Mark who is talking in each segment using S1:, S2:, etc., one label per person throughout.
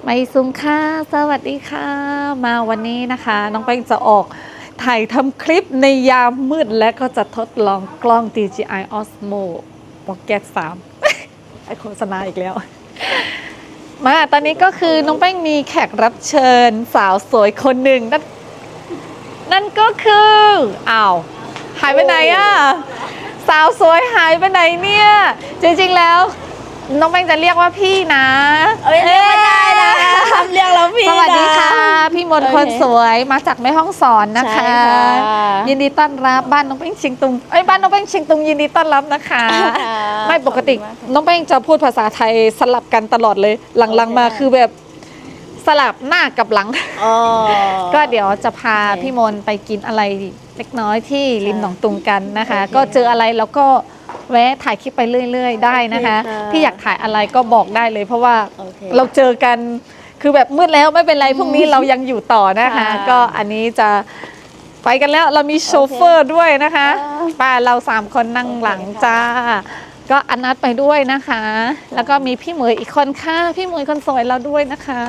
S1: ไม่ซุ้มค่ะสวัสดีค่ะมาวันนี้นะคะน้องแป้งจะออกถ่ายทำคลิปในยามมืดและก็จะทดลองกล้อง DJI Osmo Pocket 3 ไอโฆษณาอีกแล้วมาตอนนี้ก็คือน้องแป้งมีแขกรับเชิญสาวสวยคนหนึ่งนั่นก็คืออ้าวหายไปไหนอะสาวสวยหายไปไหนเนี่ยจริงๆแล้วน้องแป้งจะเรียกว่าพี่นะ
S2: เรียกไม่ได้นะทำเรียกเราพี่นะ
S1: สวัสดีค่ะพี่มนต์คนสวยมาจากแม่ฮ่องสอนนะคะยินดีต้อนรับบ้านน้องแป้งเชียงตุงบ้านน้องแป้งเชียงตุงยินดีต้อนรับนะคะไม่ปกติน้องแป้งจะพูดภาษาไทยสลับกันตลอดเลยหลังๆมาคือแบบสลับหน้ากับหลังก็เดี๋ยวจะพาพี่มนต์ไปกินอะไรเล็กน้อยที่ริมหนองตุงกันนะคะก็เจออะไรแล้วก็แวะถ่ายคลิปไปเรื่อยๆได้นะคะพี่อยากถ่ายอะไรก็บอกได้เลยเพราะว่าเราเจอกันคือแบบมืดแล้วไม่เป็นไรพรุ่งนี้เรายังอยู่ต่อนะคะก็อันนี้จะไปกันแล้วเรามีโชเฟอร์ด้วยนะคะป้าเรา3คนนั่งหลังจ้าก็อนัดไปด้วยนะคะแล้วก็มีพี่เหมยอีกคนค่ะพี่เหมยคนสวยเราด้วยนะคะ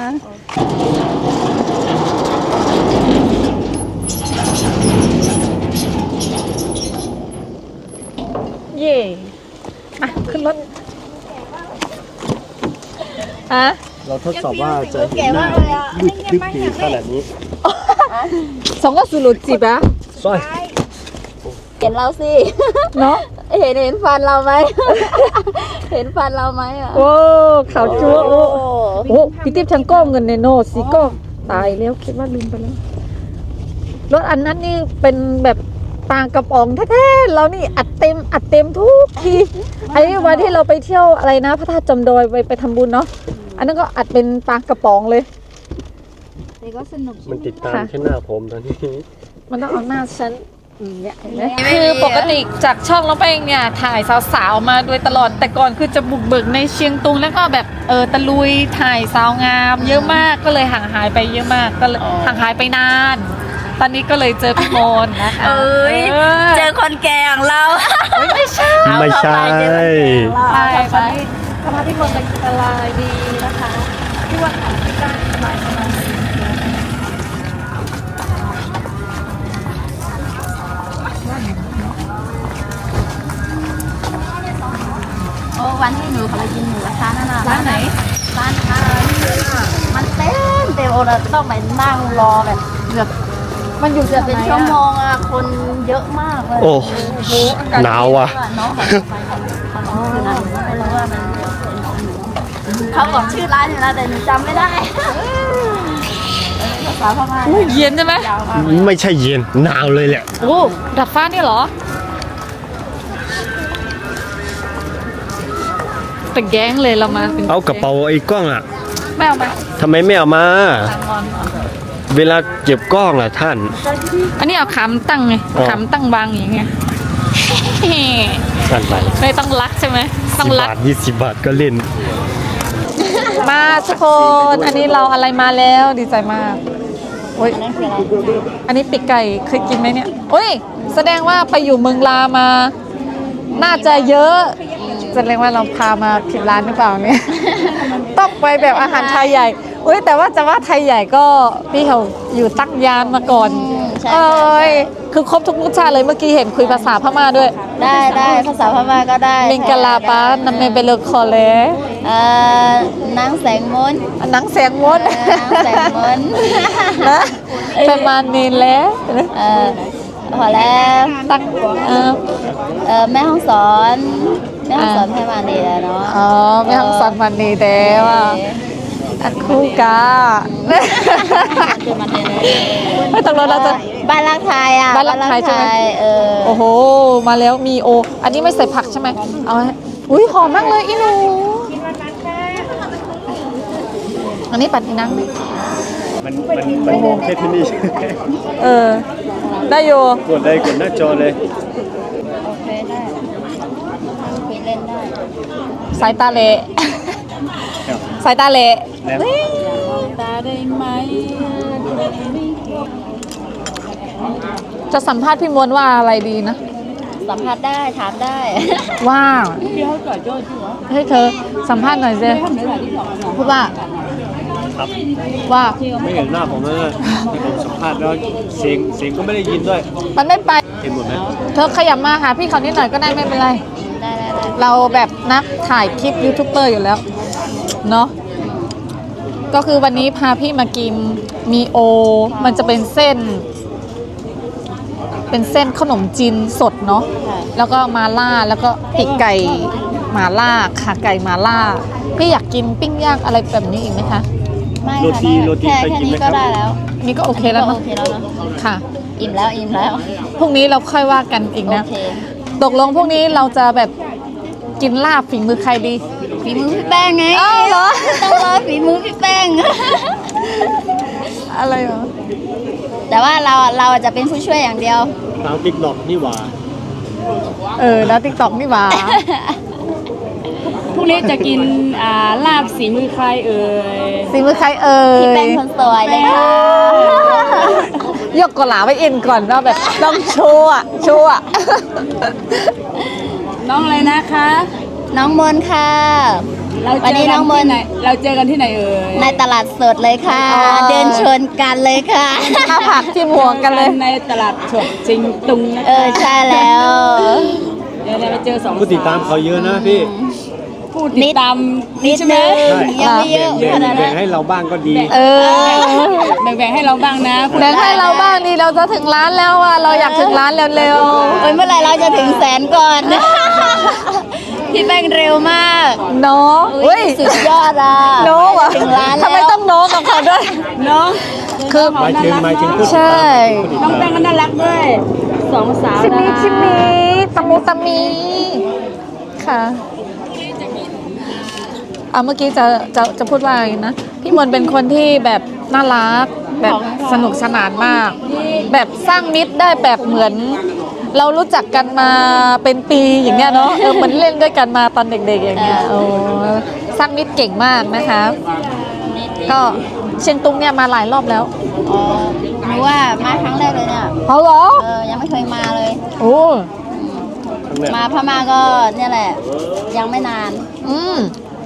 S1: เย่มาขึ้นรถ
S3: เราทดสอบว่าจะเห็นหน้ามืดทึบดีขนาดนี้
S1: สองก็สุดจีบอะ
S3: สวย
S2: เห็นเราสิ
S1: เนาะ
S2: เห็นฟันเราไหมเห็นฟันเราไหมอ่ะ
S1: โอ้ขาวจั๊วโอ้พี่ติ๊บฉันก้มเงินในโนสิก็ตายแล้วคิดว่าลืมไปแล้วรถอันนั้นนี่เป็นแบบปางกระป๋องแท้ๆเรานี่อัดเต็มทุกทีไอ้วันที่เราไปเที่ยวอะไรนะพระธาตุจำดอยไปทำบุญเนาะอันนั้นก็อัดเป็นปางกระป๋องเลย
S2: นี่ก็สนุก
S3: มันติดตามแค่หน้าผมตอนนี้
S1: มันต้องเอาหน้าฉันเนี่ยคือปกติจากช่องเราไปเนี่ยถ่ายสาวๆมาโดยตลอดแต่ก่อนคือจะบุกเบิกในเชียงตุงแล้วก็แบบตะลุยถ่ายสาวงามเยอะมากก็เลยห่างหายไปเยอะมากก็เลยห่างหายไปนานตอนนี้ก็เลยเจอพี่มนต์นะคะ
S2: เจอคนแก่ของเรา
S1: ไม่ใช่ไปพาพี่มนต์ไปกินอะไรดีนะคะที่ว่าของที่ได้สบาย
S2: วันที่หนูเขาไปกินหมูกระทะนั่นน่ะ
S1: ร้านไหน
S2: ร้านมันเต็มโอเราต้องไปนั่งรอแบบเกือบมันอยู่จะเป็นชั่วโมงอะคนเยอะมากเลย
S3: โอ้หนาวอ่ะ
S2: น้องเขาบอกชื่อร้านอยู่นะแต่หนูจำไม่ได้ภาษาพม่า
S1: เย็นใช่ไหม
S3: ไม่ใช่เย็นหนาวเลยแหละ
S1: โอ้ดับฟ้านี่เหรอแต่แก๊งเลยเรามา
S3: เอากระเป๋าไอ้กล้องอ่ะ
S1: ไม่เอามา
S3: ทำไมไม่เอามาเวลาเก็บกล้องล่ะท่าน
S1: อันนี้เอาขำตั้งไงขำตั้งวางอย่างเงี้ย
S3: สั่นไป
S1: ไม่ต้องรักใช่ไหมต้องรัก
S3: 20 บาทก็เล่น
S1: มาทุกคนอันนี้เราอะไรมาแล้วดีใจมากโอ้ยอันนี้ปีกไก่เคยกินไหมเนี่ยโอ้ยแสดงว่าไปอยู่เมืองลามาน่าจะเยอะแสดงว่าเราพามาผิดร้านหรือเปล่าเนี่ยต้องไปแบบอาหารไทยใหญ่อุ้ยแต่ว่าจะว่าไทยใหญ่ก็พี่เขาอยู่ตั้งยานมาก่อนคือครบทุกรสชาติเลยเมื่อกี้เห็นคุยภาษาพม่าด้วย
S2: ได้ภาษาพม่าก็ได้
S1: เมงกะลาปานำเมเบลคอเล
S2: นางแสงมน
S1: นางแสงมนนะประมาณนี้แล้ว
S2: พอแล้ว
S1: ตั้ง
S2: แม่ห้องสอนแม่วันนี้แล้วเนาะ
S1: แม่ห้องสอนวันนี้แต่ว่าอันคู่กาไม่ต้องเราจะ
S2: บ้านรักไทยอ่ะ
S1: บ้านรักไทยใช่ไหมโอ้โหมาแล้วมีโออันนี้ไม่ใส่ผักใช่ไหมเอาอุ้ยหอมมากเลยอีหนูอันนี้ปั่นอีนัง
S3: มันมองแค่ที่นี่
S1: ได้อยู่
S3: กดหน้าจอเลย
S2: โอเคได้คุยเล่นได้
S1: สายตาเละสายตาเละ
S2: ตาได้ไหม
S1: จะสัมภาษณ์พี่มวลว่าอะไรดีนะ
S2: สัมภาษณ์ได้ถามได้
S1: ว่าให้เธอสัมภาษณ์หน่อยสิพูดว่า
S3: ครับ
S1: ว่า
S3: ไม่เห็นหน้าผมนะที่ผมสัมภาษณ์แล้วเสียงก็ไม่ได้ยินด้วย
S1: มันไม่ไป
S3: เห็นหมดไหม
S1: เธอขยับมาหาพี่เขานิดหน่อยก็ได้ไม่เป็นไร
S2: ได้
S1: เราแบบนักถ่ายคลิปยูทูบเบอร์อยู่แล้ว เนาะก็คือวันนี้พาพี่มากินมีโอ มันจะเป็นเส้น เป็นเส้นขนมจีนสดเนาะแล้วก็มาล่าแล้วก็ปีกไก่มาล่าขาไก่มาล่า พี่อยากกินปิ้งย่างอะไรแบบนี้อีกไหมคะ
S2: ไม่
S3: โร
S2: ค่ะ
S3: ตีโรตี
S2: แค่
S3: เคยกิน
S2: นี้
S3: ไหมค
S2: ก็
S3: รับ
S2: ได้แล้ว
S1: นี่ก็โอเคแล้ว
S2: โอ
S1: เนาะ
S2: เคแล้วเนอะ
S1: ค่ะ
S2: อิ่มแล้ว
S1: พรุ่งนี้เราค่อยว่ากันอีก
S2: โอ
S1: นะ
S2: เค
S1: ตกลงพวกนี้เราจะแบบกินลาบฝีมือใครดี
S2: ฝีมือพี่แป้งไง
S1: อ้าวเหรอ
S2: ต้องรอฝีมือพี่แป้ง
S1: อะไรเหรอ
S2: แต่ว่าเราจะเป็นผู้ช่วยอย่างเดียว
S3: ทางติ๊กดอกนี่หว่า
S1: แล้วติ๊กต็อกนี่หว่า
S4: พรุ่งนี้จะกินลาบสีมือใครเอ่ย
S1: ฝีมือใครเอ่ย
S2: พี่แป้งคนสวยเลยค่ะ
S1: ยกกะหลาไว้เอ็นก่อนว่าแบบต้องโชว์อะโชว์อะ
S4: น้องอะไรนะคะ
S2: น้องมนค่ะ
S4: เรา
S2: วัน
S4: เจ
S2: นี้
S4: อ
S2: น้
S4: กั
S2: อน งม
S4: ที่
S2: น
S4: ไหนเราเจอกันที่ไหนเอ่ย
S2: ในตลาดสดเลยค่ะ เดินชนกันเลยค่ะ
S1: ข้าวผักที่หมวกกันเลย
S4: ในตลาดฉกจิงตุงนะคะ
S2: ใช่แล้ว
S4: เดี๋ยวเราไปเจอสอง
S3: ผู้ติดตามเขาเยอะนะพี่
S4: ผู้ติดตาม
S2: นิด
S4: ใช่ไหม
S2: นึงยังไม่เยอะ
S3: แบ่ง
S2: ขนาด
S3: แบ่
S2: นั้
S3: ง
S2: น
S3: ให้เราบ้างก็ดี
S4: แบ่งๆให้เราบ้างนะ
S1: แบ่งให้เราบ้างนี่เราจะถึงร้านแล้วอะเราอยากถึงร้านเร็ว
S2: โอ้ยเมื่อไหร่เราจะถึงแสนก่อน พี่แป้งเร็วมาก
S1: ๆเนาะ
S2: อุ๊
S1: เฮ้ย
S2: สุดยอดอ่ะ
S1: โน้อะ
S2: ถึงร้าน
S1: ทำไม
S2: แล้ว
S1: ต้องโน้กับเขาด้วย
S4: น้อง
S1: คือ
S3: หมายถึงผู้ติด
S1: ใช่
S3: ตามผู้ติด
S4: น้อง
S3: ตาม
S4: แป้งก็น่ารักด้วยสองสาว
S1: ชิมิ
S4: นะ
S1: ชิมิตะมูตะมีค่ะเมื่อกี้จะพูดว่าอะไรนะ พี่มนต์เป็นคนที่แบบน่ารักแบบสนุกสนานมาก แบบสร้างมิตรได้แบบเหมือน เรารู้จักกันมาเป็นปีอย่างเงี้ยเนาะเหมือนเล่นด้วยกันมาตอนเด็กๆอย่างเงี้ยโอ้สร้างมิตรเก่งมากนะคะ ก็เชียงตุงเนี่ยมาหลายรอบแล้ว
S2: อ๋อหนูว่ามาครั้งแรกเลยเนี่ย
S1: เขาเหรอ
S2: ยังไม่เคยมาเลย
S1: โอ้
S3: ครั้งแรก
S2: มาพม่าก็เนี่ยแหละ ยังไม่นาน
S1: อืม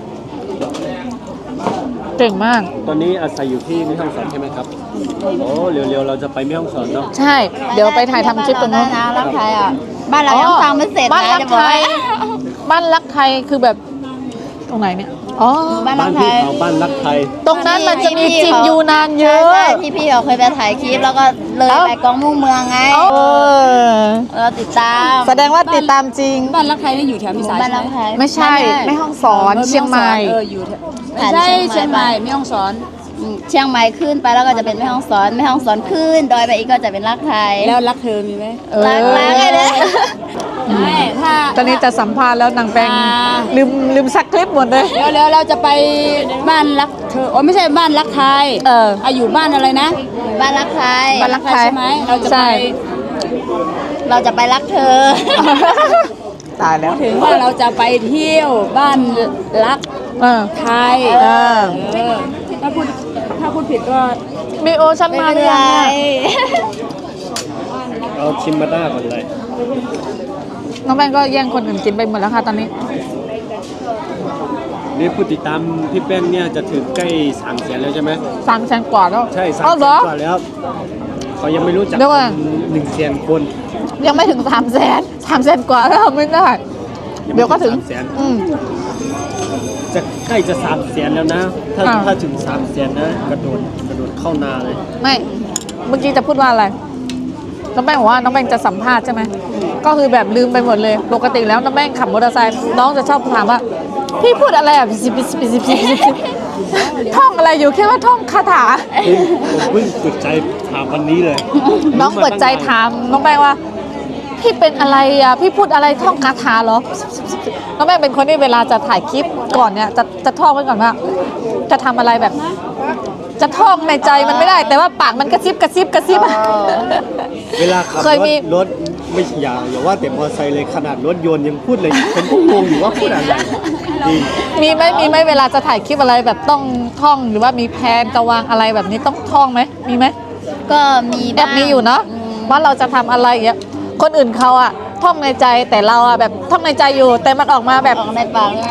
S1: เก่งมาก
S3: ตอนนี้อาศัยอยู่ที่แม่ฮ่องสอนใช่ไหมครับโอ้เร็วๆเราจะไปแม่ฮ่องสอนเนาะ
S1: ใช่ เดี๋ยวไปถ่ายทำคลิปตรงนู้น
S2: บ้าเราได้นะรักไทยอ่ะ บ้านเรายังสร้างไม่เสร็จ
S1: บ้าน
S2: นะ
S1: รัก
S2: จะบอ
S1: ไท
S2: ก
S1: ย บ้านรักไทยคือแบบตรงไหนเนี่ย อ๋อ
S2: บ้านรั
S3: บ้าก น
S2: ไท
S3: พี่
S2: ย
S3: เขาบ้านรักไทย
S1: ตรงนั้นมันจะมีจินยูนานเยอะ
S2: ใช่ที่พี่เขาเคยไปถ่ายคลิปแล้วก็เลยไปกองมุ่งเมืองไง
S1: เออ
S2: เราติดตาม
S1: แสดงว่าติดตามจริง
S4: บ้านรักใครนี่อยู่แถวพิสาย
S2: บ้าน
S4: ใช่
S2: รัก
S4: ไหม
S2: ไทย
S1: ไม่ใช่ ไม่ห้องสอนเชียงใหม่
S4: อยู่แถวไม่ใช่เชียงใหม่ไม่ต้องสอน
S2: เชียงใหม่ขึ้นไปแล้วก็จะเป็นแม่ฮ่องสอนแม่ฮ่องสอนขึ้นดอยไปอีกก็จะเป็นรักไทย
S4: แล้วรักเธอมีไหม
S2: รักเลยนะ
S4: ไม่ถ้า
S1: ตอนนี้จะสัมภาษณ์แล้วนางแปงลืมซักคลิปหมดเลย
S4: เดี๋ยวเราจะไปบ้านรักเธอโอ้ไม่ใช่บ้านรักไทย อยู่บ้านอะไรนะ
S2: บ้านรักไทย
S1: บ้านรักไทย
S4: ใช่ไหมเราจะ
S1: ใช่
S4: ไป
S2: เราจะไปรักเธอ
S1: ตายแล้ว
S4: ถึงว่าเราจะไปเที่ยวบ้านรัก
S1: เออ
S4: ไทย
S1: เออ
S4: ถ้าพูดผิดก็
S1: มีโอชัน
S2: ไม่
S1: มา
S2: เป็น
S1: หรือ
S2: ไร
S1: ยังอะ
S3: เอาชิมมาด้าก่อนเลย
S1: น้องแปงก็แย่งคนอื่นกินไปหมดแล้วค่ะตอนนี้
S3: นี่ผู้ติดตามพี่แป้งเนี่ยจะถึงใกล้300,000แล้วใช่ไหม
S1: 300,000 กว่าแล้ว
S3: ใช่
S1: อ๋อเหรอ
S3: 300,000กว่าแล้วเขายังไม่รู้จัก
S1: เดี๋ยวก่อน
S3: 100,000 คน
S1: ยังไม่ถึง300,000 กว่าแล้วไม่ได้ เดี๋ยวก็ถึง
S3: 300,000
S1: อืม
S3: จะใกล้จะ300,000แล้วนะ ถ้า
S1: อ่า
S3: ถ้าถึง300,000นะกระโดดเข้านาเลย
S1: ไม่ เมื่อกี้จะพูดว่าอะไร น้องแป้งบอกว่าน้องแป้งจะสัมภาษณ์ใช่ไหม ก็คือแบบลืมไปหมดเลย ปกติแล้วน้องแป้งขับมอเตอร์ไซค์น้องจะชอบถามว่า พี่พูดอะไรอ่ะท่องอะไรอยู่แค่ว่าท่องคาถา
S3: ผมเพิ่งเปิดใจถามวันนี้เลย
S1: น้องเปิดใจถามน้องแป้งว่า พี่เป็นอะไรอ่ะ พี่พูดอะไรท่องคาถาเหรอ น้องแป้งเป็นคนที่เวลาจะถ่ายคลิปก่อนเนี่ยจะท่องไว้ก่อนว่า จะทำอะไรแบบ จะท่องในใจมันไม่ได้ แต่ว่าปากมันกระซิบอะ
S3: เวลาขับ
S1: เคยมี
S3: รถไม่อย่าว่าแต่มอเตอร์ไซค์เลยขนาดรถยนต์ยังพูดเลยผมก็งงอยู่ว่าพูดอะไรจริง
S1: มีไหมเวลาจะถ่ายคลิปอะไรแบบต้องท่องหรือว่ามีแผนจะวางอะไรแบบนี้ต้องท่องไหมมีไหม
S2: ก็มี
S1: แอบมีอยู่เนาะว่าเราจะทำอะไรอย่างเงี้ยคนอื่นเขาอะท่องในใจแต่เราอะแบบท่องในใจอยู่แต่มันออกมาแบบ
S2: ออกในปากใช่ไหม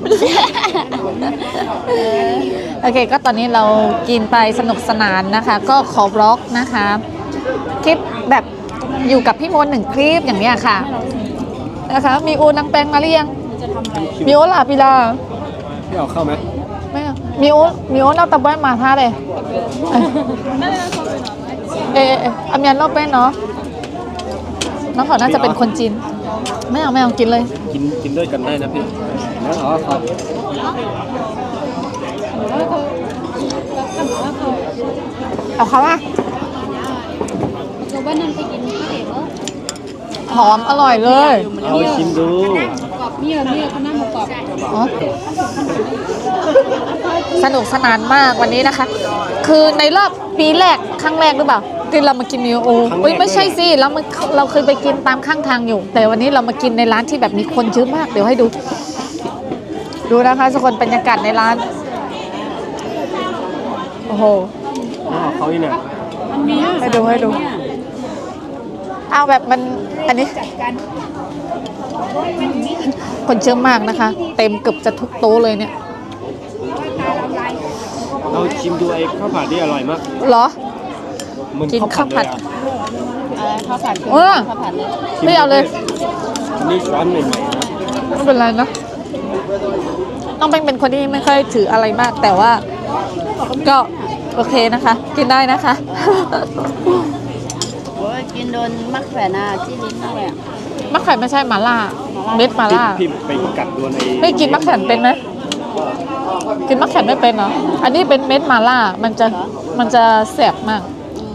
S1: โอเคก็ตอนนี้เรากินไปสนุกสนานนะคะ ก็ขอบล็อกนะคะคลิปแบบอยู่กับพี่มนต์1 คลิปอย่างเนี้ยค่ะนะคะมีอูนางแปงมาหรือยังมีโอลาปิลา
S3: พี่เอาเข้าไหม
S1: ไม่เอามีโอเราตะบ้านมาท่าเลยอามียนรอบเป็นเนาะน้องขอน่าจะเป็นคนจีนไม่เอากินเลย
S3: กินด้วยกันได้นะพี่แล้วเอาครับ
S1: เอาเขาอะหอมอร่อยเลย
S3: เอาชิมดู
S1: อ๋อสนุกสนานมากวันนี้นะคะ คือในรอบปีแรกครั้งแรกหรือเปล่าที่เรามากินนิวโอไม่ใช่สิเราเคยไปกินตามข้างทางอยู่ แต่วันนี้เรามากินในร้านที่แบบมีคนเยอะมากเดี๋ยวให้ดูนะคะทุกคนบรรยากาศในร้านโอ้โห
S3: เอาเขาอีกเนี่ย
S1: ให้ดูเอาแบบมันอันนี้คนเยอะมากนะคะ เต็มเกือบจะทุกโต๊ะเลยเนี่ย
S3: เราชิมดูไอ้ข้าวผัดที่อร่อยมาก
S1: เหรอ
S3: เหมือน
S1: กินข้าวผัด
S3: เลยอะ
S2: ข้าวผัดคือ
S1: เออ
S2: ข้าวผัดเลย
S1: ไม่เอาเลย
S3: นี่ช้อนใหม่ๆนะ
S1: ไม่เป็นไรนะน้องแป้งเป็นคนที่ไม่ค่อยถืออะไรมาก แต่ว่าก็โอเคนะคะ กินได้นะคะ
S2: โอ้ยกินโดนมักแฝน่ะที่ลิ้นมากเลยอะ
S1: มะแขวนไม่ใช่หมาล่าเม็ดหมาล่า
S3: พี่ไปกัดโดนไอ้
S1: ไม่กินมะแขวนเป็นไหมกินมะแขวนไม่เป็นเหรออันนี้เป็นเม็ดหมาล่ามันจะแสบมาก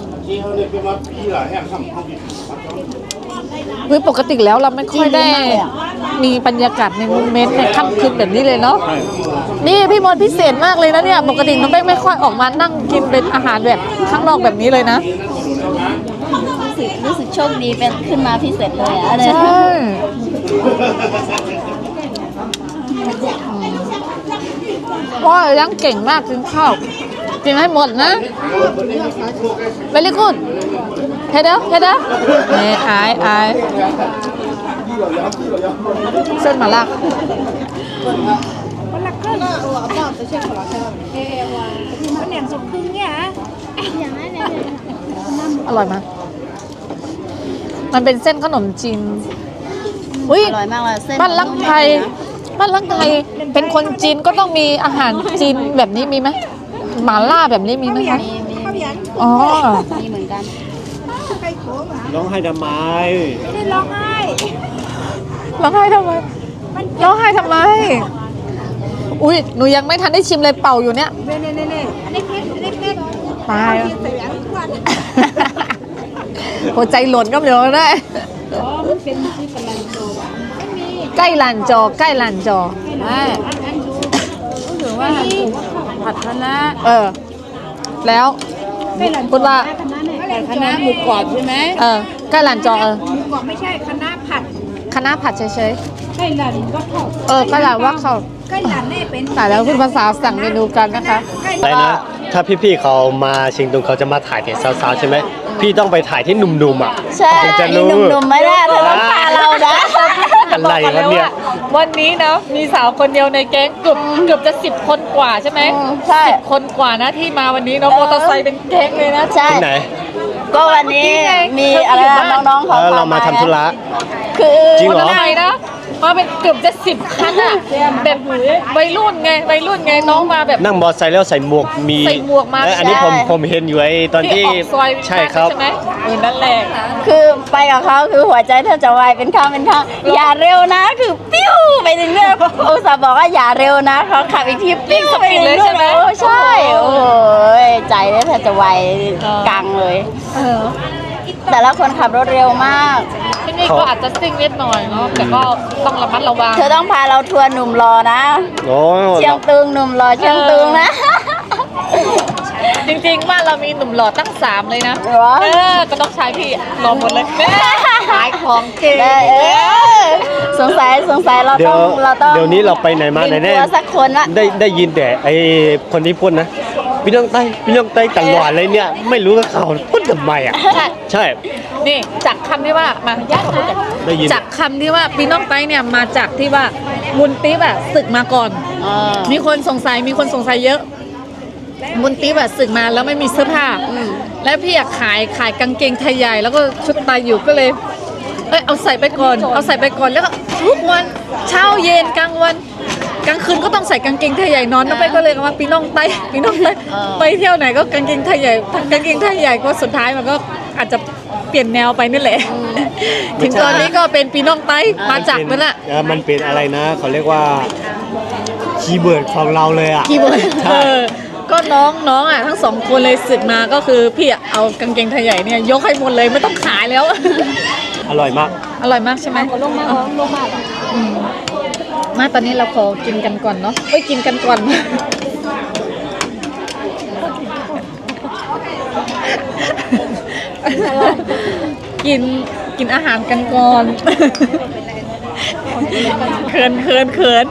S1: คือปกติแล้วเราไม่ค่อยได้มีบรรยากาศในโมเมนต์ในค่ำคืนแบบนี้เลยเนาะ
S3: ใช่
S1: นี่พี่มนต์พิเศษมากเลยนะเนี่ยปกติน้องแป้งไม่ค่อยออกมานั่งกินเป็นอาหารแบบข้างนอกแบบนี้เลยนะ
S2: รู้สึกโชคดีเป็นขึ้นมาพิเศษเลยอะอะไร
S1: ใช่ว่ายังเก่งมากกินข้าวกินให้หมดนะ very good เฮ็ดเด้อนี่อายเส้นหมาล่าอร่อยมากมันเป็นเส้นขนมจีนอุ้ย
S2: อร่อยมากเลยเส้น
S1: บ้านลักไทยเป็นคนจีนก็ต้องมีอาหารจีนแบบนี้มีไหมหม่าล่าแบบนี้มีไหมคะ
S2: มี
S1: อ๋อ
S2: มีเหมือนกัน
S3: ร้องไห้ทำไม
S1: ร้องไห้ทำไมอุ้ยหนูยังไม่ทันได้ชิมเลยเป่าอยู่เนี่ยตายหัวใจหล่นก็เดี๋ยวได้ใกล้ลานจอถือว่าผัดคะน้าแล้วพูดว่า
S4: คณะหมูกรอบใช่ไหม
S1: ใกล้ลานจอ
S5: บอกไม่ใช่คณะผัด
S1: คณะผัดเฉย
S5: ไก่หลันก็ทอด
S1: ๆใกล้ลานว่าเขา
S5: ไก่หลันนี่เป็น
S1: แต่แล้วคุณภาษาสั่งเมนูกันนะคะ
S3: อะไรนะ ถ้าพี่ๆเขามาเชียงตุงเขาจะมาถ่ายแต่สาวๆใช่ไหม พี่ต้องไปถ่ายที่หนุ่มๆอ่ะ
S2: ใช่
S3: ถึงจะ
S2: นี่
S3: รู้
S2: หนุ่มๆไม่ได้เธอต้องพาเรานะ
S3: อะไรวะเนี่ย
S1: วันนี้นะมีสาวคนเดียวในแก๊งเกือบจะ10 คนกว่าใช่ไหม
S2: ใช่
S1: 10 คนกว่านะที่มาวันนี้เนาะมอเตอร์ไซค์เป็นแก๊งเลยนะ
S2: ใช่
S3: ที่ไหน
S2: ก็วันนี้มีอะไรนะน้องๆเขา
S3: เรามาทำธุระ
S2: คือ
S3: จริง
S1: มอ
S3: เหร
S1: เตอร์ไซค์นะมาเป็นเกือบจะ10 คันอะแบบวัยรุ่นไงน้องมาแบบ
S3: นั่งมอไซค์แล้วใส่หมวกมี
S1: ใส่หมวกมา
S3: อันนี้ผมเห็นอยู่ไอ้ตอนที่
S1: ออกซอย
S3: ใช่ครับ
S1: ใช่ไหมนั่นแหละ
S2: คือไปกับเขาคือหัวใจแทบจะวายเป็นข้างอย่าเร็วนะคือปิ้วไปถึงเนี่ยอุตส่าห์บอกว่าอย่าเร็วนะเขาขับอีกทีปิ้วไปถึงเลยใช่ไหมใช่โอ้ยใจแทบจะวายกังเลย แต่ละคนขับรถเร็วมาก
S1: ที่นี่ก็อาจจะซิ่งนิดหน่อยเนาะแต่ก็ต้องระมัดระวัง
S2: เธอต้องพาเราทัวร์หนุ่มรอนะ
S3: โอ้
S2: เชียงตุงหนุ่มรอเชียงตุงนะ
S1: จริงๆบ้านเรามีหนุ่มหล่อตั้ง3เลยนะ
S2: เหรอ
S1: ก็ต้องใช้พี่รอหมดเลยขายของเก่ง
S2: สงสัยเรา
S3: เดี๋ย
S2: ต้
S3: ว
S2: อง
S3: เดี๋ยวนี้เราไปไหนมาไหน
S2: มี
S3: แน่
S2: ทัวร์สักคนละ
S3: ได้ยินแต่ไอ้คนที่พูดนะพี่น้องไต้ตลอดเลยเนี่ยไม่รู้ว่าเขาพูดทำไมอ่ะใช่
S1: นี่จากคำที่ว่ามา
S3: ได้ยิน
S1: จากคำที่ว่าปีน้องไต้เนี่ยมาจากที่ว่ามุนติ๊บอะศึกมาก่อน มีคนสงสัยเยอะ มุนติ๊บอะศึกมาแล้วไม่มีเสื้อผ้าและพี่อยากขายกางเกงไทยใหญ่แล้วก็ชุดไตอยู่ก็เลยเอาใส่ไปก่อนแล้วก็ทุกวันเช้าเย็นกลางวันกลางคืนก็ต้องใส่กางเกงไทยใหญ่นอนไปก็เลยเอามาปีน้องไต้ไปเที่ยวไหนก็กางเกงไทยใหญ่ก็สุดท้ายมันก็อาจจะเปลี่ยนแนวไปนี่แหละถึงตอนนี้ก็เป็นปีน้องไต้มาจากนั่นแหละ
S3: มันเป็นอะไรนะเขาเรียกว่าคีย์เวิร์ดของเราเลยอ่ะ
S1: คีย์เวิร์ดก็น้องอ่ะทั้งสองคนเลยศึกมาก็คือพี่เอากางเกงไทยใหญ่เนี่ยยกให้หมดเลยไม่ต้องขายแล้ว
S3: อร่อยมาก
S1: อร่อยมากใช่ไหมลงมามาตอนนี้เราขอกินกันก่อนเนาะกินกันก่อน กินอาหารกันก่อนเขิน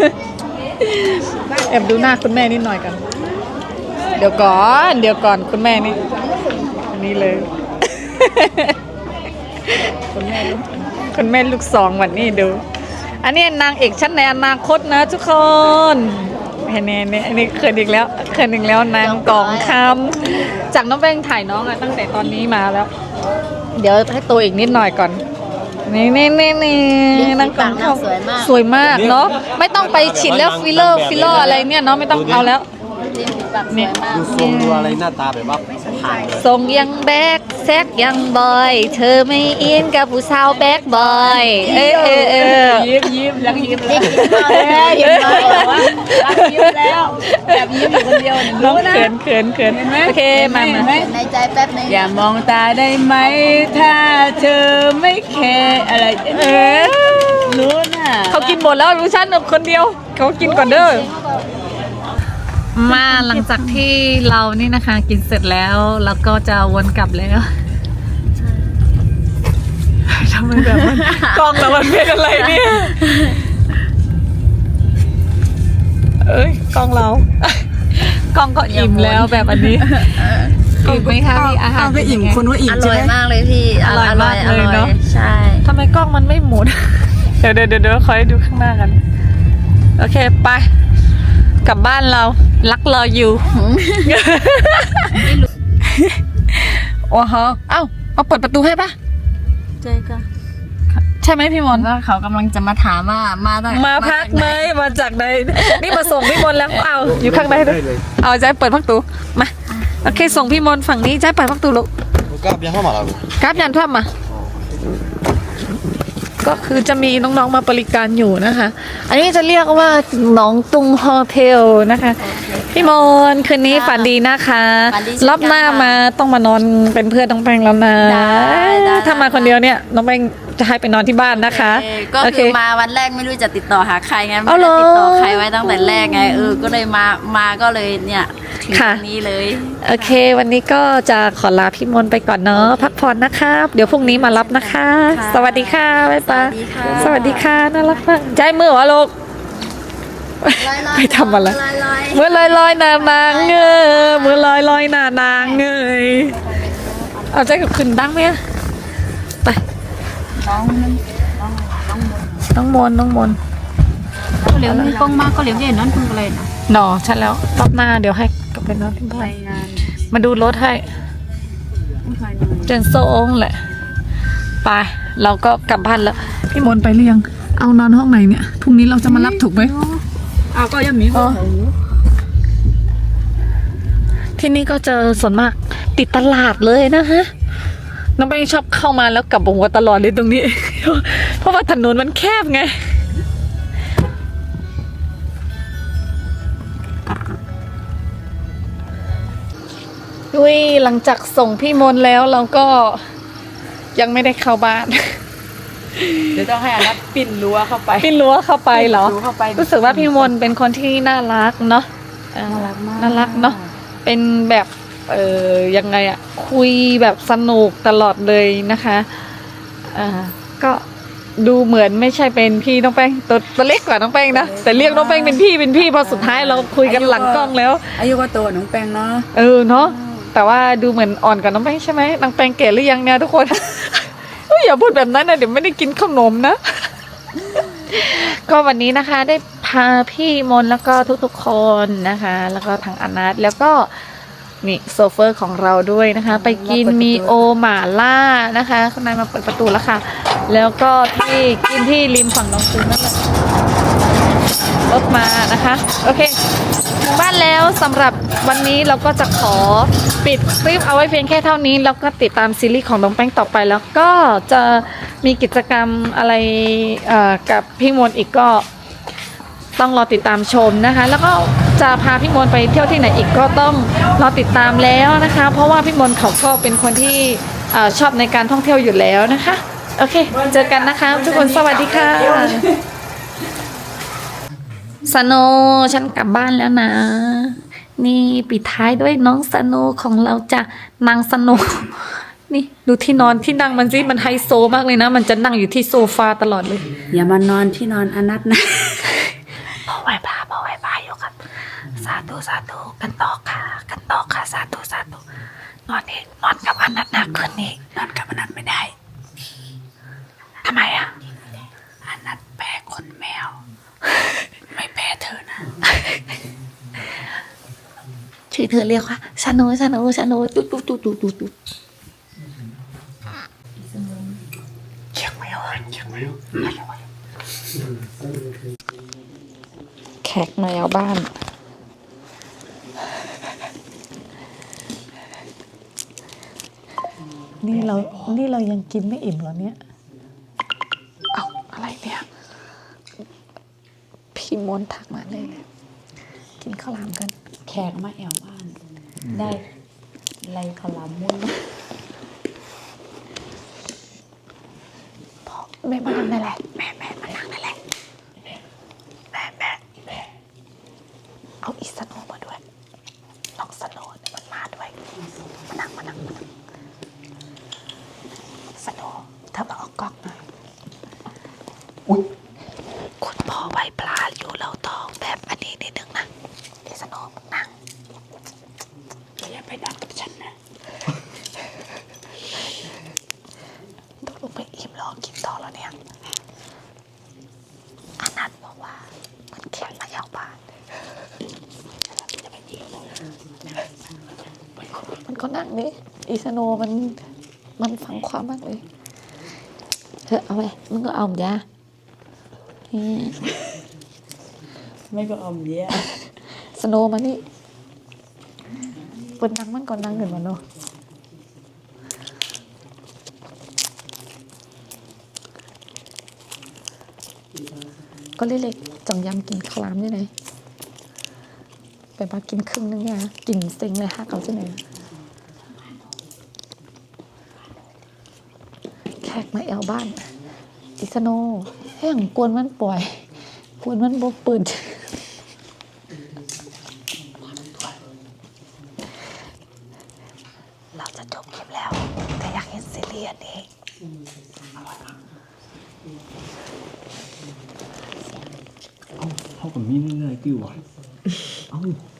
S1: แอบดูหน้าคุณแม่นิดหน่อยกันเดี๋ยวก่อนคุณแม่นี่อันนี้เลย คุณแม่ลูกสองวันนี้ดู อันนี้นางเอกชั้นในอนาคตนะทุกคนเห็นเนี่ยอันนี้เขินอีกแล้วนางกองคำจากน้องแป้งถ่ายน้องอะตั้งแต่ตอนนี้มาแล้ว เดี๋ยวให้ตัวอีกนิดหน่อยก่อนนี่นางกองคำสวยมากเนาะไม่ต้องไปฉีดแล้วฟิลเลอร์อะไรเนี่ยเนาะไม่ต้องเอาแล้ว
S2: เนี่ย
S3: ดูทรงดูอะไรหน้าตาแบบว่าผ่านเลย
S1: ทรงยังแบกแซกยังบอยเธอไม่อินกับผู้สาวแบกบอย
S4: ยิ้มแล้วยิ้มแล้วยิ้มแล้วแบบยิ้มอยู่คนเดียว
S1: น้องเขินโอเคมา
S2: ในใจแป๊บนึง
S4: อย่ามองตาได้ไหมถ้าเธอไม่แคร์อะไรรู้น่ะ
S1: เขากินหมดแล้วรู้ฉันคนเดียวเขากินก่อนเด้อมาหลังจากที่เรานี่นะคะกินเสร็จแล้วแล้วก็จะวนกลับแล้วทำไมแบบมันกล้องเรามันเป็นอะไรเนี่ยกล้องเรากล้องก็อิ่มแล้วแบบอันนี้อิ่มไหมคะพี่อาหารไม่อิ่มคนว่าอิ่ม
S2: อร่อยมากเลยพี่
S1: อร่อยมากเลยเนาะ
S2: ใช่
S1: ทำไมกล้องมันไม่หมุน เดี๋ยวคอยดูข้างหน้ากันโอเคไปกลับบ้านเรารักรออยู่ โอ้โหเอาเปิดประตูให้ปะ
S2: ใช่ค่ะ
S1: ใช่ไหมพี่มนต์
S2: ก็เขากำลังจะมาถามว่ามา
S1: พักไหมมาจากไหนนี่มาส่งพี่มนต์แล้วเอาอยู่ข้างในด้วยเอาใจเปิดประตูมาโอเคส่งพี่มนต์ฝั่งนี้ใจเปิดประตูลูก
S3: กราบยังเข้ามาแล้ว
S1: กราฟยันท่วมมาก็คือจะมีน้องๆมาบริการอยู่นะคะ อันนี้จะเรียกว่าหนองตุงโฮเทลนะคะ พี่มนต์คืนนี้ฝันดีนะคะรอบหน้ามาต้องมานอนเป็นเพื่อนน้องแป้งแล้วนะถ้ามาคนเดียวเนี่ยน้องแป้งจะให้ไปนอนที่บ้านนะคะ
S2: ก็
S1: โอเค
S2: คือมาวันแรกไม่รู้จะติดต่อหาใครไงไม่
S1: เอาเหร
S2: ได้
S1: อ
S2: ติดต่อใครไว้ตั้งแต่แรกไงก็เลยมาก็เลยเนี่ยถึง
S1: ค่ะ
S2: นี้เลย
S1: โอเค วันนี้ก็จะขอลาพี่มนต์ไปก่อนเนาะพักผ่อนนะครับ เดี๋ยวพรุ่งนี้มารับนะคะ สวัสดีค่ะบ๊ายบายสวัสดีค่ะน่ารักมากใจมือวะลูก ไม่ทำอะไรเมื่อลอยนานางเงยเมื่อลอยนานางเงยเอาใจกับขึ้นดังไหมไปน้องมน
S5: ก็เหลียวมีกล้องมากก็เหลียวใหญ่นั่นคุณอะไรนะ
S1: หนอฉันแล้วรอบหน้าเดี๋ยวให้กลับไปนอนที่บ้านมาดูรถให้เจนโซงแหละไปเราก็กลับบ้านแล้วพี่มนต์ไปหรือยังเอานอนห้องไหนเนี่ยพรุ่งนี้เราจะมารับถูกไหม
S4: เอาก็ยังมี
S1: ที่นี่ก็เจอส่วนมากติดตลาดเลยนะคะน้องแป้งชอบเข้ามาแล้วกลับหัวตลอดเลยตรงนี้ เพราะว่าถนนมันแคบไงอุ้ยหลังจากส่งพี่มนต์แล้วเราก็ยังไม่ได้เข้าบ้าน
S4: เดี๋ยวต้องให้อนัทปิ่นรั้วเข้าไป
S1: พี่รั้วเข้าไปเหรอ
S4: รั้วเข้าไป
S1: รู้สึกว่าพี่มนต์เป็นคนที่น่ารักเนาะน่ารักมากน่ารักเนาะเป็นแบบยังไงอะคุยแบบสนุกตลอดเลยนะคะก็ดูเหมือนไม่ใช่เป็นพี่น้องแป้งตัวเล็กกว่าน้องแป้งนะแต่เรียกน้องแป้งเป็นพี่พอสุดท้ายเราคุยกันหลังกล้องแล้ว
S4: อายุก็โตน้องแป้งเนาะ
S1: เนาะแต่ว่าดูเหมือนอ่อนกว่าน้องแป้งใช่ไหมน้องแป้งแก่หรือยังเนี่ยทุกคน อย่าพูดแบบนั้นนะเดี๋ยวไม่ได้กินขนมนะ ก็วันนี้นะคะได้พาพี่มนต์แล้วก็ทุกๆคนนะคะ แล้วก็ทางอนัทแล้วก็นี่โซเฟอร์ของเราด้วยนะคะ ไปกินมีโอหม่าล่านะคะข้างในมาเปิดประตูแล้วค่ะ แล้วก็ที่กินที่ริมฝั่งน้องซูนั่นแหละรถมานะคะโอเคถึงบ้านแล้วสำหรับวันนี้เราก็จะขอปิดคลิปเอาไว้เพียงแค่เท่านี้แล้วก็ติดตามซีรีส์ของน้องแป้งต่อไปแล้วก็จะมีกิจกรรมอะไรกับพี่มนต์อีกก็ต้องรอติดตามชมนะคะแล้วก็จะพาพี่มนต์ไปเที่ยวที่ไหนอีกก็ต้องรอติดตามแล้วนะคะเพราะว่าพี่มนต์เขาก็เป็นคนที่ชอบในการท่องเที่ยวอยู่แล้วนะคะโอเคเจอกันนะคะทุกคนสวัสดีค่ะสโนฉันกลับบ้านแล้วนะนี่ปิดท้ายด้วยน้องสโนของเราจ้ะนางสโนนี่ดูที่นอนที่นั่งมันสิมันไฮโซมากเลยนะมันจะนั่งอยู่ที่โซฟาตลอดเลย
S4: อย่ามานอนที่นอนอนัทนะ
S1: พอไหว้พระอยู่ครับสาธุกันต่อค่ะสาธุนอนนี่นอนกับอนัทนะคืนนี้นอนกับอนัทไม่ได้ทำไมอ่ะอนัทแพ้คนแมวไม่แพ้เธอนะชื่อเธอเรียกว่าชาโนตุ๊ดเชียงใหม่แขกมาเอาบ้านนี่เรายังกินไม่อิ่มเหรอเนี่ยเอาอะไรเนี่ยพี่มนต์ทักมาเลยกินข้าวหลามกัน
S4: แขกมาแอวบ้าน ได้ไรขลามมุ้น
S1: แม่มานั่งนั่นแหละแม่มานั่งนั่นแหละแม่เอาอีสโนมาด้วยน้องสโนมันมาด้วยมานั่งสโนเธอมาออกกล้องนะอุ๊ยคุณพ่อไหวปลาอยู่เราต้องแบบอันนี้นิดนึงนะอีสโนนั่งอย่าไปดักกับฉันนะต้องลงไปอิ่มรอกินต่อแล้วเนี่ยอนัทบอกว่ามันแข็งมาเอาบ้านมันก็นั่งนี่อีสโนมันฝังความมากเลยเธอเอาไปมึงก็เอาจ้ะนี่
S4: ไม่ก็อมเยอะ
S1: สโนมานี่เปิดนังมันก่อนนังเงินมาเนาะก็เล็กๆจังยำกินคลามนี่ไหนไปมากินครึ่งนึงเนี่ยกินเซ็งเลยฮะเขาจะไหนแขกมาแอวบ้านอิสโนแห้งกวนมันปล่อยกวนมันบ่ปืนเราจะจบคลิปแล้วแต่อยากเห็นซีรีส์อันนี้
S3: เขากับมีง่ายๆกี่วะเอา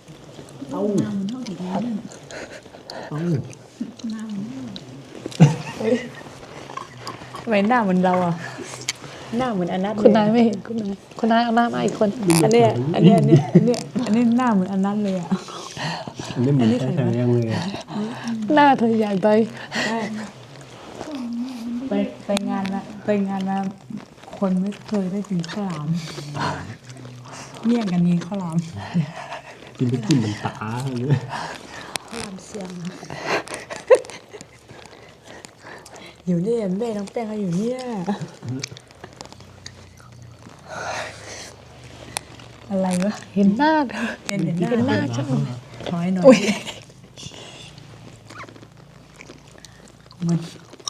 S4: ทำไมหน้าเหมือนเราอ่ะ หน้าเหมือนอนัท
S1: คุณนายไม่เห็นคุณนายเอาหน้ามาอีกคน
S4: อันนี้หน้าเหมือนอนัทเลยอ่ะ
S3: อันนี้เหมือนใช่ยังเลยอะ
S1: หน้าเธอใหญ่ไป
S4: ไปงานนะคนไม่เคยได้กินข้าวหลามเมี่ยงกันนี้ข้าวหลาม
S3: กินไปกินเหมือนตาเลย
S4: อยู่เนี่ยแม่น้องแป้งเขาอยู่เนี่ยอะไรวะ
S1: เห็นหน้าเธอ
S4: เห็นห
S1: เห็นหน้าฉัน
S4: ถอยหน่อยมัน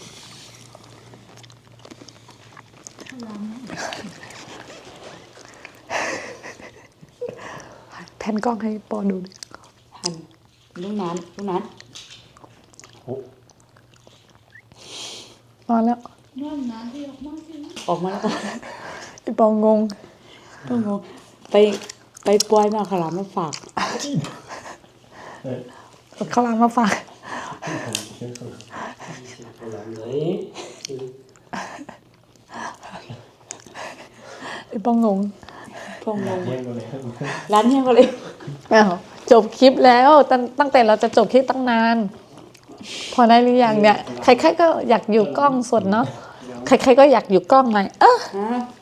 S1: แผ่นกล้องให้ปอดูดิ
S4: หันลูกนั้น
S1: นอนแล้ว
S4: ออกมาแล้ว
S1: ไอ้ปองงง
S4: ต้องงงไปปล่อยมาขลามมาฝาก
S1: ข้าวหลามมาฝากไอ้ปองงง
S4: พงงงร้านเฮียก็เลย
S1: อ้าวจบคลิปแล้วตั้งแต่เราจะจบคลิปตั้งนาน พอได้หรือยังเนี่ย ใครๆก็อยากอยู่กล้องสดเนาะใครๆก็อยากอยู่กล้องไง
S4: ฮะ